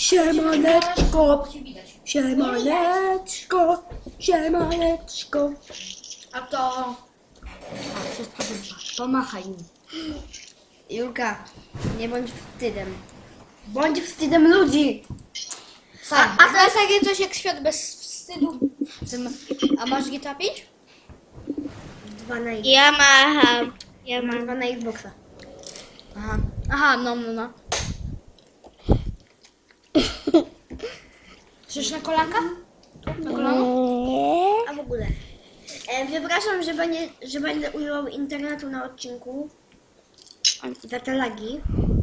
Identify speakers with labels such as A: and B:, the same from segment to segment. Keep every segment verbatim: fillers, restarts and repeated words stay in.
A: Siemaneczko,
B: Cię widać.
A: siemaneczko, siemaneczko.
B: A to... A, wszystko wyszło. Pomachaj im.
A: Julka, nie bądź wstydem. Bądź wstydem ludzi.
B: A, a to jest takie coś jak świat bez wstydu. A masz G T A pięć?
A: Dwa na X.
C: Ja mam. Ja
A: Mam
C: mam.
A: dwa na Xboxa.
B: Aha. Aha, no, no, no. Chcesz na kolanka? Na kolano?
A: A w ogóle. E, przepraszam, że, będzie, że będę używał internetu na odcinku. Za te lagi.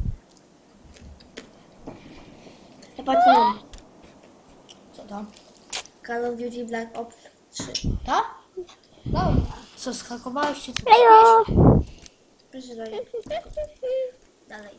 A: Chyba co?
B: Co to?
A: Call of Duty Black Ops trzy.
B: To? Dobra. Co, schakowałeś się? Co
C: Hejo!
A: Proszę dalej. Dalej.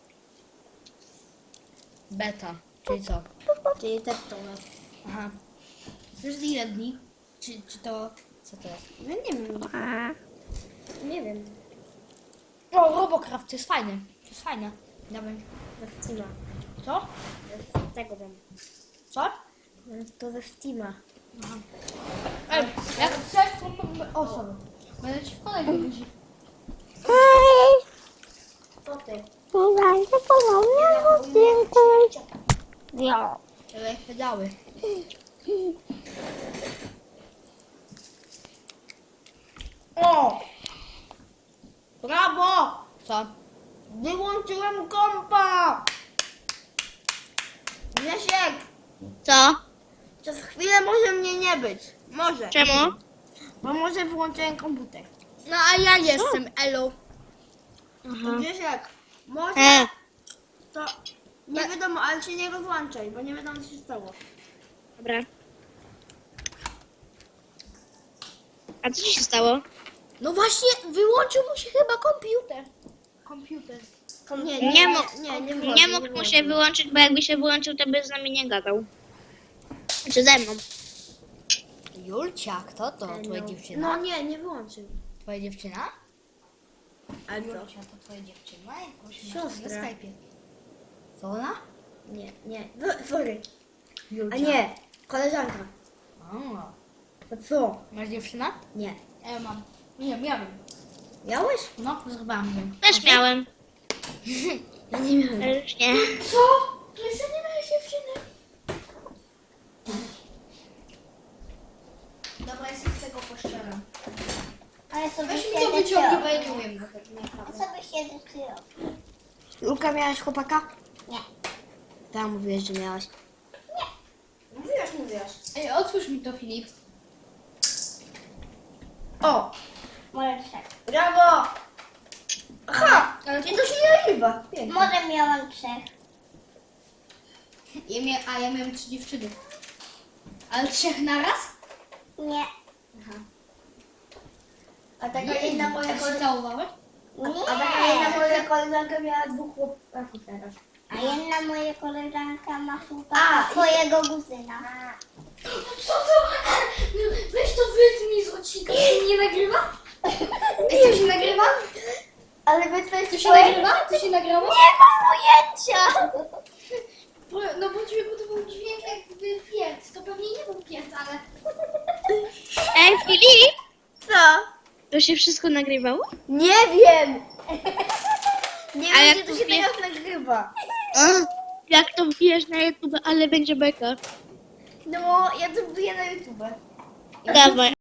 B: Beta. Czyli co?
A: Czyli też to.
B: Aha. Wiesz ile dni? Czy, czy to... Co to jest?
A: No nie wiem. Nie wiem.
B: O, Robocraft, to jest fajne. To jest fajne. Dawaj.
A: Ze Steama.
B: Co?
A: Z tego mam.
B: Co?
A: To ze Steama.
B: Ej, jak chcesz, to... O, sorry. Będę ci wkładać do buzi.
C: Hej!
A: To ty.
C: Słuchajcie ponownie w odcinku. Ja.
B: Ale jak pedały.
A: O! Brawo!
B: Co?
A: Wyłączyłem kompa! Grzesiek!
C: Co?
A: Przez chwilę może mnie nie być. Może.
C: Czemu?
A: Bo może wyłączyłem komputer.
B: No a ja jestem, elo.
C: Aha.
A: Grzesiek, może
C: E,
A: to... Nie wiadomo, ale się nie rozłączaj, bo nie wiadomo co się stało.
C: dobra. A co ci się stało?
B: No właśnie, wyłączył mu się chyba komputer. Komputer.
A: Nie,
C: Nie
A: nie,
C: mógł-
A: nie, nie,
C: Nie mógł mu się wyłączyć, bo jakby się wyłączył, to by z nami nie gadał. Czy ze mną?
B: Julcia, kto to? Twoja
A: No
B: dziewczyna?
A: nie, nie wyłączył.
B: Twoja dziewczyna?
A: Ale co?
B: Julcia, to twoja dziewczyna? Jakąś masz
A: Siostra.
B: na Skype'ie. Co ona?
A: Nie, nie. W- Sorry.
B: Julcia.
A: A nie, koleżanka.
B: A,
A: To co?
B: masz dziewczynę?
A: Nie.
B: Ja mam. Nie, miałem.
A: Miałeś?
B: No, zrywałam ją.
C: Też miałem.
A: Ja nie miałem.
C: Ale już nie.
B: Co? Ty jeszcze nie miałeś dziewczyny? Dobra, jestem z tego poszczera.
D: Ale sobie
B: Weź mi
D: się
B: to wyciągnij, bo ja nie umiem.
D: A co byś się zepsuło?
A: Luka, miałaś chłopaka?
D: Nie.
A: Tam mówiłeś, że miałaś.
B: Mówiłaś, mówiłaś. Ej, otwórz mi to, Filip.
A: O!
D: Może trzech.
A: Brawo! Aha!
B: Ale
A: I to się nie nagrywa. Pięknie.
D: Może miałam trzech.
B: Ja mia a ja miałem trzy dziewczyny. Ale trzech naraz?
D: Nie.
B: Aha.
A: A taka jedna moja
B: Tak się
A: koleżanka...
B: całowałeś?
A: A taka jedna
D: Nie.
A: moja koleżanka miała dwóch chłopaków teraz.
D: A jedna moja koleżanka ma
A: A,
D: chłopaka
A: i-
D: swojego kuzyna.
B: Co to? Weź to wytnij z odcinka, to się nie nagrywa? Ej, to się nagrywa?
A: Ale wy coś
B: To się nagrywa? To się nagrało?
D: Nie mam ujęcia!
B: Bo- No bo ciebie podobał dźwięk jakby piec. To pewnie nie był piec, ale...
C: Ej, Filip!
A: Co?
C: To się wszystko nagrywało?
A: Nie wiem! Nie
C: A
A: wiem,
C: jak
A: czy to się
C: mówię-
A: teraz nagrywa.
C: Jak to wbijesz na YouTube, ale będzie beka.
A: No, ja to wbiję na YouTube.
C: Dawaj.